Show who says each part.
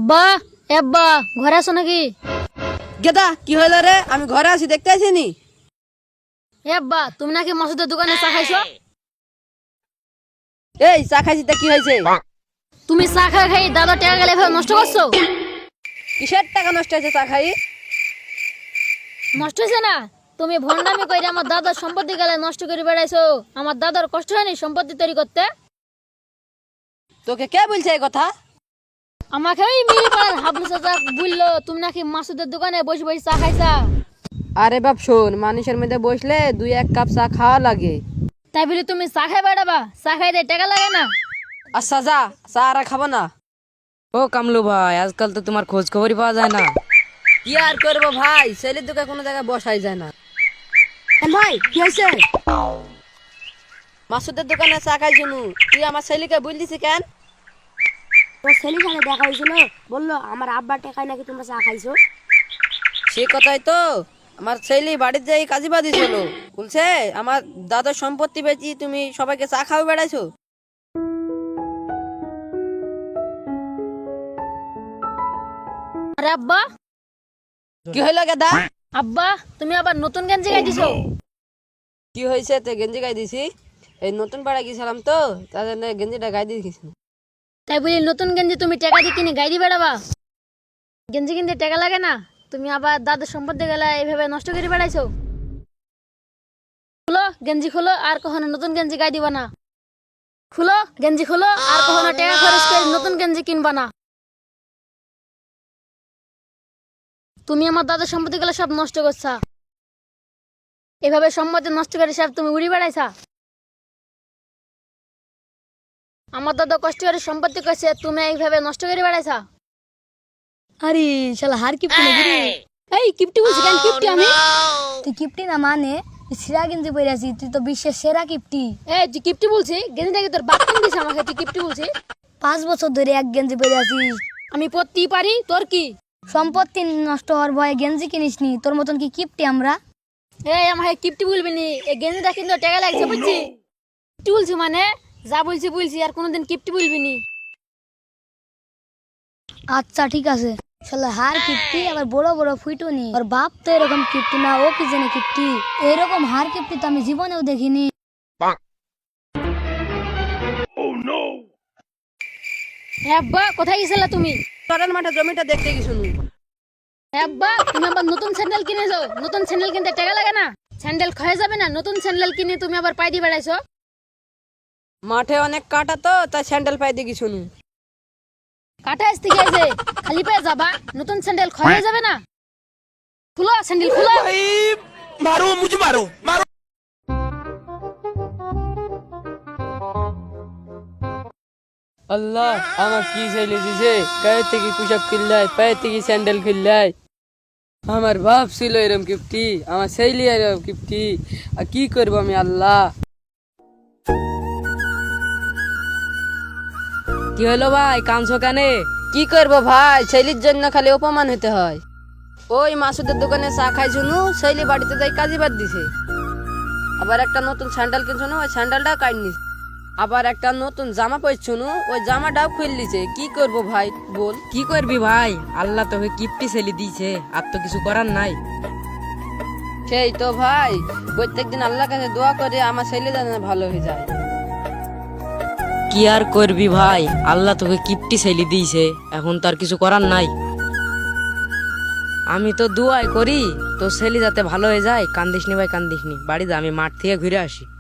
Speaker 1: আব্বা আব্বা ঘরে আছো নাকি?
Speaker 2: গেদা কি হলো রে? আমি ঘরে আছি, দেখতে আসিনি।
Speaker 1: আব্বা তুমি নাকি মাসুদের দোকানে চা খাইছো?
Speaker 2: এই চা খাইছি তা কি হয়েছে?
Speaker 1: তুমি চা খাই দাদা টাকা গেলে এভাবে নষ্ট করছো।
Speaker 2: কিসের টাকা নষ্ট হয়েছে চা খাই?
Speaker 1: নষ্ট হয়েছে না, তুমি ভন্ডামি করে আমার দাদার সম্পত্তি গেলে নষ্ট করে বেড়াইছো। আমার দাদার কষ্ট হয়নি সম্পত্তি তৈরি করতে?
Speaker 2: তোকে কে বলছে এই কথা?
Speaker 1: আমাকে ওই মিলি পাড়ার হাবলু চাচা বললো তুমি নাকি মাসুদের দোকানে বসে বসে চা খাইছা।
Speaker 2: আরে বাপ শোন, মানুষের মধ্যে বসলে 2-1 কাপ চা খাওয়া লাগে।
Speaker 1: তাই বলি তুমি চা খাই বেড়াবা? চা খাইতে টাকা লাগে না?
Speaker 2: আচ্ছা যা, চা আর খাবো না।
Speaker 3: ও কামলু ভাই, আজকাল তো তোমার খোঁজ খবরই পাওয়া যায় না।
Speaker 2: কি আর করবো ভাই, ছেলের দোকানে কোনো জায়গায় বসাই যায় না। ভাই কি হয়েছে? মাসুদের দোকানে চা খাই শুনু, তুই আমার ছেলেকে বল দিছি কেন?
Speaker 4: তোর ছেলের সাথে দেখা হয়েছিল, বললো আমার আব্বার টাকায় নাকি তোমরা চা খাইছো।
Speaker 2: সে কথাই তো, আমার ছেলে বাড়িতে যাই কাজী বাদি ছিল, বলছে আমার দাদার সম্পত্তি বেচি তুমি সবাইকে চা খাওয়া বেড়াইছো।
Speaker 1: আরে আব্বা,
Speaker 2: কি হইলো গেদা?
Speaker 1: আব্বা তুমি আবার নতুন গেঞ্জি গাই দিছো।
Speaker 2: কি হয়েছে? তে গেঞ্জি গাই দিছি, এই নতুন পাড়া গেছিলাম তো তার জন্য গেঞ্জিটা গাই দিয়ে গেছি।
Speaker 1: তাই বলি নতুন গেঞ্জি তুমি টাকা দিয়ে কিনে গাই দিয়ে বেড়াবা? গেঞ্জি কিনতে টাকা লাগে না, তুমি আবার দাদার সম্পত্তি গেলে এইভাবে নষ্ট করে বেড়াইছো। খুলো গেঞ্জি, খুলো, আর কখনো নতুন গেঞ্জি গাই দিবা না। খুলো গেঞ্জি, খুলো, আর কখনো টাকা খরচ করে নতুন গেঞ্জি কিনবা না। তুমি আমার দাদার সম্পত্তি গেলে সব নষ্ট করছা। এভাবে সম্পত্তি নষ্ট করে সব তুমি উড়ি বেড়াইছা। আমার দাদা কষ্ট করে সম্পত্তি করছে, তুমি এইভাবে নষ্ট করে বেড়াইছা। আরে শালা হার কিপটি নাকি রে? এই কিপটি বলছি কেন? কিপটি আমি?
Speaker 4: তুই কিপটি না মানে সিরা গেঞ্জি পরে আছিস, তুই তো বিশ্বের সেরা কিপটি।
Speaker 1: এই তুই কিপটি বলছি? গেঞ্জিটাকে তোর বাপ কিনে দিছে আমাকে, তুই কিপটি বলছি?
Speaker 4: 5 বছর ধরে এক গেঞ্জি পরে আছিস।
Speaker 1: আমি পরতেই পারি, তোর কি?
Speaker 4: সম্পত্তি নষ্ট হওয়ার ভয়ে গেঞ্জি কিনিসনি, তোর মতন কি কিপটি আমরা?
Speaker 1: এই আমাকে কিপটি বলবি নি, এই গেঞ্জিটা কিন্তু টাকা লাগছে বুঝছি। কিপটি বলছি মানে যা বলছি বলছি, আর কোনোদিন কিপটি বলবি নি।
Speaker 4: আচ্ছা ঠিক আছে। শালা হার কিপটি, আবার বড় বড় ফুইটুনি। ওর বাপ তো এরকম কিপটি না, ও কি জানে কিপটি। এরকম হার কিপটি তো আমি জীবনেও দেখিনি।
Speaker 1: হ্যাঁ আব্বা, কোথায় গেছিলা তুমি?
Speaker 2: চরের মাঠে জমিটা দেখতে গেছি শুনু।
Speaker 1: হ্যাঁ আব্বা, তুমি আবার নতুন স্যান্ডেল কিনেছো। নতুন স্যান্ডেল কিনতে টাকা লাগে না? স্যান্ডেল ক্ষয়ে যাবে না? নতুন স্যান্ডেল কিনে তুমি আবার পাই দিয়ে বেড়াইছো।
Speaker 2: মাঠে অনেক কাটা তো তাই স্যান্ডেল পাই দিয়ে গেছি শুনু।
Speaker 1: কাটা আসতে গেছে, খালি পায়ে যাবা? নতুন স্যান্ডেল ক্ষয় হয়ে যাবে না? খুলো স্যান্ডেল, খুলো।
Speaker 5: मारो मुझे मारो मारो।
Speaker 2: আল্লাহ আমার কি ছেলে দিছে, গায়ে থেকে পোশাক কিনলাই, পায়ে থেকে স্যান্ডেল কিনলাই। আমার বাপ ছিল এরম কিপটি, আমার ছেলে এরম কিপটি, আর কি করবো আমি আল্লাহ।
Speaker 3: কি হলো ভাই, কাঁদছো কেনে?
Speaker 2: কি করবো ভাই, ছেলের জন্য খালি অপমান হতে হয়। ওই মাসুদের দোকানে চা খাই শুনু, ছেলে বাড়িতে যাই কাজী বাদ দিছে। আবার একটা নতুন স্যান্ডেল কিনছো, ওই স্যান্ডেলটাও কাইট নিছে। আবার একটা নতুন জামা পরছো, ওই জামাটাও খুল দিছে। কি করবো ভাই বল?
Speaker 3: কি করবি ভাই, আল্লাহ তোকে কিপটি ছেলে দিয়েছে, আর তো কিছু করার নাই।
Speaker 2: সেই তো ভাই, প্রত্যেকদিন আল্লাহর কাছে দোয়া করে আমার ছেলে যেন ভালো হয়ে যায়।
Speaker 3: কি আর করবি ভাই, আল্লাহ তোকে কিপটি ছেলে দিয়েছে, এখন তো আর কিছু করার নাই। আমি তো দুয়াই করি তোর ছেলে যাতে ভালো হয়ে যায়। কান্দিসনি ভাই, কান্দিসনি, বাড়ি যা, আমি মাঠ থেকে ঘুরে আসি।